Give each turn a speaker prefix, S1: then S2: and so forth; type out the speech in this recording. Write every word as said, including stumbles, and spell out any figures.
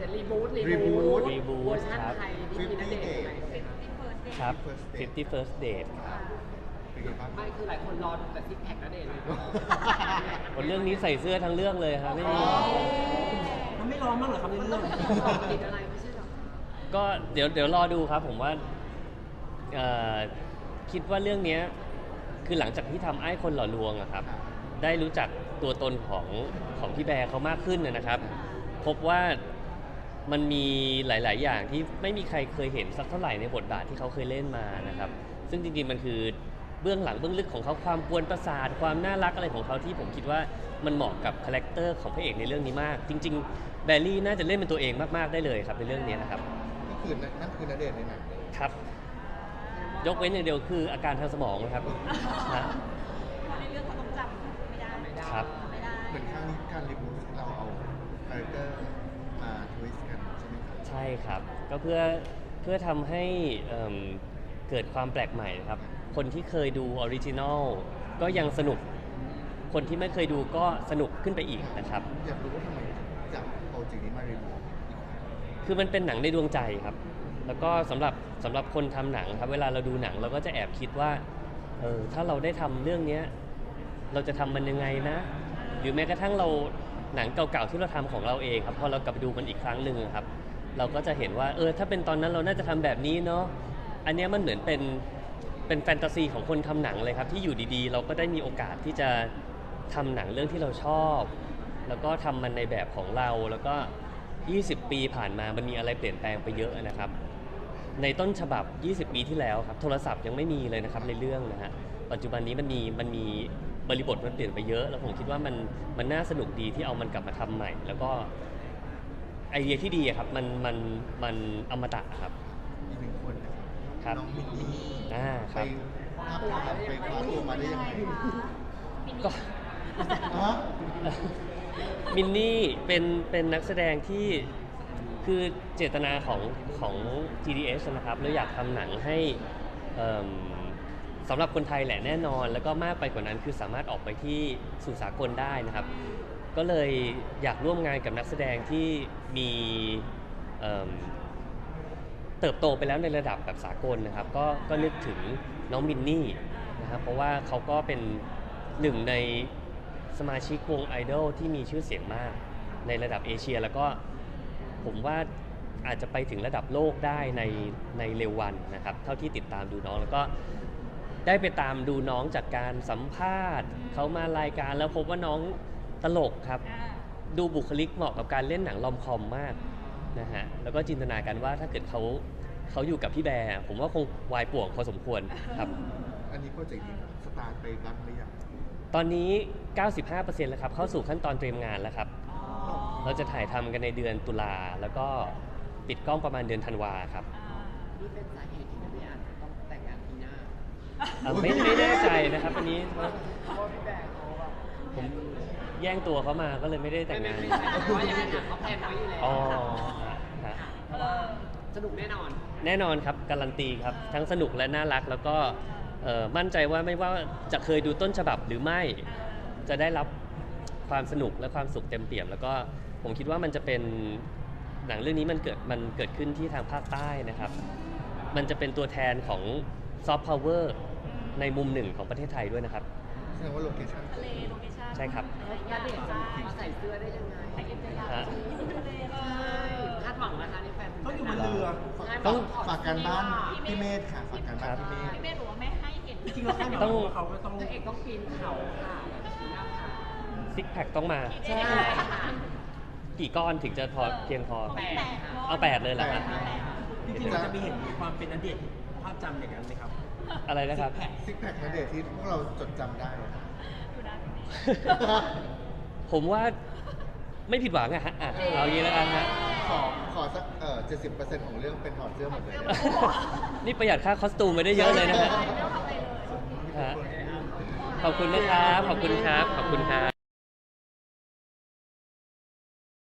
S1: จะรีบูทรี
S2: รีบู
S1: บู
S2: ท
S1: ท
S3: รีบูท
S1: เวอร์ชัน
S3: ครับ
S1: ไทยที่มีนักเดทไหม
S3: ครับ ฟิฟตี้ first date ครับ
S2: เป็นไงบ้าง
S1: ไม่คือหลายคนรอดูแต่ซิกแพคนักเดทเลย
S3: คนเรื่องนี้ใส่เสื้อทั้งเรื่องเลยครับไม่มี
S4: มันไม่ร้อนมากเหรอครับในเรื่อง
S1: ติดอะไรไม่ใช่หรอ
S3: ก็เดี๋ยวเดี๋ยวรอดูครับผมว่าเอ่อคิดว่าเรื่องเนี้ยคือหลังจากที่ทำไอ้คนหล่อลวงอะครับ ได้รู้จักตัวตนของของพี่แบร์เขามากขึ้นนะครับ พบว่ามันมีหลาย ๆ อย่างที่ไม่มีใครเคยเห็นสักเท่าไหร่ในบทบาทที่เขาเคยเล่นมานะครับ ซึ่งจริง ๆ มันคือเบื้องหลังเบื้องลึกของเขาความกวนประสาทความน่ารักอะไรของเขาที่ผมคิดว่ามันเหมาะกับคาแรคเตอร์ของพระเอกในเรื่องนี้มาก จริง ๆ แบร์รี่น่าจะเล่นเป็นตัวเองมาก ๆ ได้เลยครับในเรื่องนี้นะครับ
S2: ก็คือนั่นคือณเดชน์ในหนังเลย
S3: ครับ ยกเว้นอย่างเดียวคืออาการทางสมองนะครับนะ
S5: ในเรื่องเขาต้องจำไม่ได้
S1: ไม่ได้
S3: ครับ
S5: ไม่ได้
S2: เหมือนครั้งนี้การรีบูทเราเอาคาแรคเตอร์มาทวิสต์กันใช่ไหมครับ
S3: ใช่ครับ ก็เพื่อเพื่อทำให้เอิ่มเกิดความแปลกใหม่นะครับ คนที่เคยดูออริจินอลก็ยังสนุก คนที่ไม่เคยดูก็สนุกขึ้นไปอีกนะครับ
S2: อยากรู้ว่าทำไมจับโปรเจกต์นี้มารีบูทอีกครั้ง
S3: คือมันเป็นหนังในดวงใจครับ แล้วก็สำหรับสำหรับคนทำหนังครับ เวลาเราดูหนังเราก็จะแอบคิดว่า เออถ้าเราได้ทำเรื่องเนี้ยเราจะทำมันยังไงนะ หรือแม้กระทั่งเราหนังเก่าๆที่เราทำของเราเองครับ พอเรากลับไปดูมันอีกครั้งหนึ่งครับ เราก็จะเห็นว่า เออถ้าเป็นตอนนั้นเราน่าจะทำแบบนี้เนาะ อันเนี้ยมันเหมือนเป็นเป็นแฟนตาซีของคนทำหนังเลยครับ ที่อยู่ดีๆ เราก็ได้มีโอกาสที่จะทำหนังเรื่องที่เราชอบ แล้วก็ทำมันในแบบของเรา แล้วก็ ยี่สิบ ปีผ่านมามันมีอะไรเปลี่ยนแปลงไปเยอะนะครับ ในต้นฉบับ ยี่สิบ ปีที่แล้วครับ โทรศัพท์ยังไม่มีเลยนะครับในเรื่องนะฮะ ปัจจุบันนี้มันมีมันมีบริบทมันเปลี่ยนไปเยอะ แล้วผมคิดว่ามันมันน่าสนุกดีที่เอามันกลับมาทำใหม่ แล้วก็ไอเดียที่ดีอะครับมันมันมันอมตะครับ
S2: อีกหนึ่งคนนะ
S3: ครับ
S2: น้องมินนี่
S3: อ่าค
S2: ไป
S3: รับ
S2: ภาพถ่ายไปคว้าตัวมาได้ยังไง
S3: ก็
S2: ฮะ
S3: มินนี่เป็นเป็นนักแสดงที่คือเจตนาของของ จี ดี เอส นะครับเราอยากทำหนังให้เอิ่มสำหรับคนไทยแหละแน่นอน แล้วก็มากไปกว่านั้นคือสามารถออกไปที่สู่สากลได้นะครับ ก็เลยอยากร่วมงานกับนักแสดงที่มีเอิ่มเติบโตไปแล้วในระดับแบบสากลนะครับ ก็ก็นึกถึงน้องมินนี่นะครับเพราะว่าเขาก็เป็นหนึ่งในสมาชิกวงไอดอลที่มีชื่อเสียงมากในระดับเอเชีย แล้วก็ผมว่าอาจจะไปถึงระดับโลกได้ในในเร็ววันนะครับเท่าที่ติดตามดูน้องแล้วก็ได้ไปตามดูน้องจากการสัมภาษณ์เขามารายการแล้วพบว่าน้องตลกครับ ดูบุคลิกเหมาะกับการเล่นหนังลอมคอมมากนะฮะแล้วก็จินตนาการว่าถ้าเกิดเขาเขาอยู่กับพี่แบร์ผมว่าคงวายป่วงพอสมควรครับ
S2: อันนี้โปรเจกต์นี้สตาร์ทไปรักหรือยัง
S3: ตอนนี้ เก้าสิบห้าเปอร์เซ็นต์ แล้วครับเข้าสู่ขั้นตอนเตรียมงานแล้วครับ เราจะถ่ายทำกันในเดือนตุลาแล้วก็ปิดกล้องประมาณเดือนธันวาครับ
S1: นี่เป็นสาเหตุที่พี่อาจจะต้องแต่งงานปีหน้า
S3: อ่ะไม่ไม่แน่ใจนะครับอันนี้
S1: เพราะว่าพี่แบร์เขาแบบ
S3: ผมแย่งตัวเขามาก็เลยไม่ได้แต่งงาน
S1: ไม่ไม่ไม่เพราะว่าอย่างนั้นอะเขาแพลนไว้อยู่แล้ว
S3: อ๋อ
S1: ค่ะ
S3: ฮะ
S1: เพราะว่าสนุกแน่นอน
S3: แน่นอนครับการันตีครับทั้งสนุกและน่ารักแล้วก็เอ่อมั่นใจว่าไม่ว่าจะเคยดูต้นฉบับหรือไม่จะได้รับความสนุกและความสุขเต็มเปี่ยม แล้วก็ผมคิดว่ามันจะเป็นหนังเรื่องนี้มันเกิดมันเกิดขึ้นที่ทางภาคใต้นะครับ มันจะเป็นตัวแทนของซอฟต์พาวเวอร์ในมุมหนึ่งของประเทศไทยด้วยนะครับ
S2: แสดงว่าโลเคชั่น
S5: ทะเลโลเคชั่น
S3: ใช่ครับ
S1: แล้วณเดชน์จะมาใส่เสื้อได้ยังไง
S5: ไปเอ็มเจยา
S3: ฮะ
S5: ทะเล
S1: ใช่คาดหวังนะคะในแฟน
S4: ต้องอยู่บนเรือ
S2: ฝากฝากการบ้านพี่เมธค่ะฝากการบ้านพี่เมธ
S5: พี่เมธบอกว่าไม่ให้เห็น
S4: จริงๆเราคาดหวัง
S3: ต้อง
S4: ว่าเขาก็ต้อง
S1: พระเอกต้องปีนเขาค่ะปีนหน้าผา
S3: ซิกแพคต้องมา
S1: ใช่
S3: กี่ก้อนถึงจะพอเพียงพอ
S1: แปดค่ะ
S3: เอาแปดเลยเหรอครับ
S4: จริงๆเราจะมีเห็นความเป็นณเดชน์ภาพจำอย่างนั้นไหมครับ
S3: อะไรนะครับ
S2: ซิกแพคณเดชน์ที่พวกเราจดจำได้อะ
S5: อยู่นะ
S3: ผมว่าไม่ผิดหวังอะฮะอ่ะเอางี้แล้วกันฮะ
S2: ขอขอสักเอ่อเจ็ดสิบเปอร์เซ็นต์ของเรื่องเป็นถอดเสื้อหมดเลย
S3: นี่ประหยัดค่าคอสตูมไปได้เยอะเลยนะฮะ
S5: ไม่ต้องทำอะไรเลย
S3: ฮะขอบคุณนะครับ ขอบคุณครับ ขอบคุณครับ